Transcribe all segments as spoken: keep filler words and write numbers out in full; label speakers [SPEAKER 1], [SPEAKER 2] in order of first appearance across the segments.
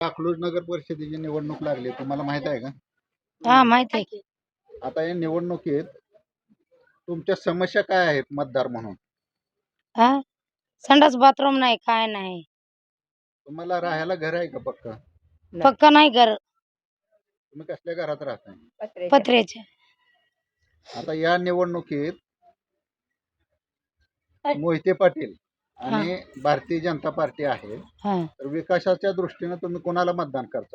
[SPEAKER 1] अकलूज नगर परिषदेची निवडणूक लागली, तुम्हाला माहित आहे का?
[SPEAKER 2] हा माहिती आहे की.
[SPEAKER 1] आता या निवडणुकीत तुमच्या समस्या काय आहेत मतदार म्हणून?
[SPEAKER 2] हा संडास बाथरूम नाही, काय नाही,
[SPEAKER 1] तुम्हाला राहायला घर आहे का पक्का?
[SPEAKER 2] पक्का नाही घर,
[SPEAKER 1] तुम्ही कसल्या घरात राहताय?
[SPEAKER 2] पत्र्याचे.
[SPEAKER 1] आता या निवडणुकीत मोहिते पाटील आणि भारतीय जनता पार्टी आहे,
[SPEAKER 2] हा
[SPEAKER 1] तर विकासाच्या दृष्टीने तुम्ही कोणाला मतदान करता?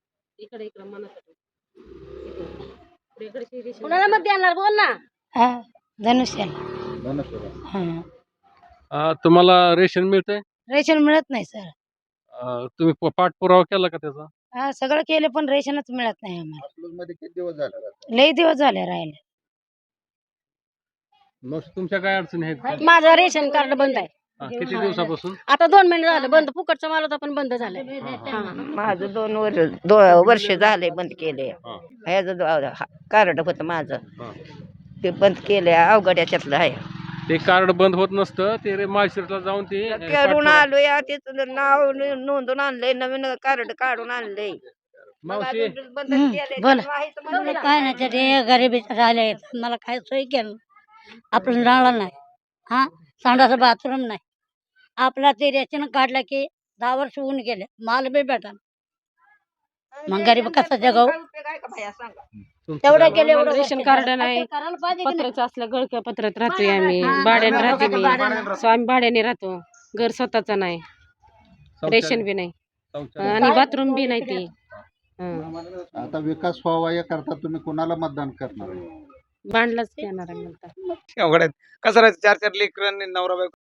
[SPEAKER 3] कुणाला मत देणार बोल ना.
[SPEAKER 2] हा धनुष्याला.
[SPEAKER 1] धनुष्यबाण.
[SPEAKER 2] हा
[SPEAKER 4] अ, तुम्हाला रेशन मिळतंय?
[SPEAKER 2] रेशन मिळत नाही सर.
[SPEAKER 4] अ, तुम्ही प- पाठपुरावा केला का त्याचा?
[SPEAKER 2] हा सगळं केलं पण रेशनच मिळत नाही आम्हाला.
[SPEAKER 1] अकलूज मध्ये किती दिवस झाले राहताय?
[SPEAKER 2] लई दिवस झाले राहिले.
[SPEAKER 4] मग तुमच्या काय अडचणी आहेत का?
[SPEAKER 3] माझं रेशन कार्ड बंद आहे
[SPEAKER 4] हा, किती दिवसापासून?
[SPEAKER 3] आता दोन महिने झालं बंद. फुकटचं माल होता पण बंद झालंय. हा.
[SPEAKER 5] माझं दोन वर्ष दो वर्ष झाले बंद केले.
[SPEAKER 4] हा,
[SPEAKER 5] ह्याचं कार्ड होतं माझं,
[SPEAKER 4] हा.
[SPEAKER 5] ते बंद केले. अवघड याच्यातलं आहे.
[SPEAKER 4] ते कार्ड बंद होत नसतं, ते रे माळशिरसला जाऊन ते अ,
[SPEAKER 5] करून
[SPEAKER 4] पाठपुरावा-
[SPEAKER 5] आलोय, त्याचं नाव न- नोंदून आणलंय, नवीन कार्ड काढून आणलंय.
[SPEAKER 4] मावशी
[SPEAKER 5] बंद
[SPEAKER 2] हम्म,
[SPEAKER 5] केलंय,
[SPEAKER 2] बोला.
[SPEAKER 5] तर माहित म्हणलं ना.
[SPEAKER 6] काय नाही ते गरिबीचे राहिले मला काय सोय केलं आपलं राहिलं नाही. हा संडास बाथरूम नाही. आपला ते रेशन काढला की दहा वर्ष होऊन गेले, माल बी भेटा. मग गरीब कसा जगाव?
[SPEAKER 5] काय उपयोग आहे का बाया सांगा?
[SPEAKER 4] तुमचं
[SPEAKER 6] तेवढं
[SPEAKER 4] काय?
[SPEAKER 6] केलं एवढं
[SPEAKER 3] रेशन
[SPEAKER 6] गोष्टी
[SPEAKER 3] कार्ड
[SPEAKER 6] झाल्या.
[SPEAKER 3] नाही.
[SPEAKER 6] करायला पाहिजे की नाही?
[SPEAKER 3] पत्राचं असलं गळक्या पत्रात राहतोय आम्ही. भाड्याने राहते मी. सो आम्ही भाड्याने राहतो. घर स्वतःच नाही.
[SPEAKER 4] शौचालय-
[SPEAKER 3] रेशन बी नाही
[SPEAKER 4] शौचालय.
[SPEAKER 3] आणि बाथरूम बी नाही ती. हं.
[SPEAKER 1] आता विकास व्हावा याकरता तुम्ही कोणाला मतदान करणार?
[SPEAKER 3] भांडलंच येणार आहे नंतर.
[SPEAKER 7] अवघड आहेत. कसं राहायचं, चार चार लेकरं आणि नवरा बायको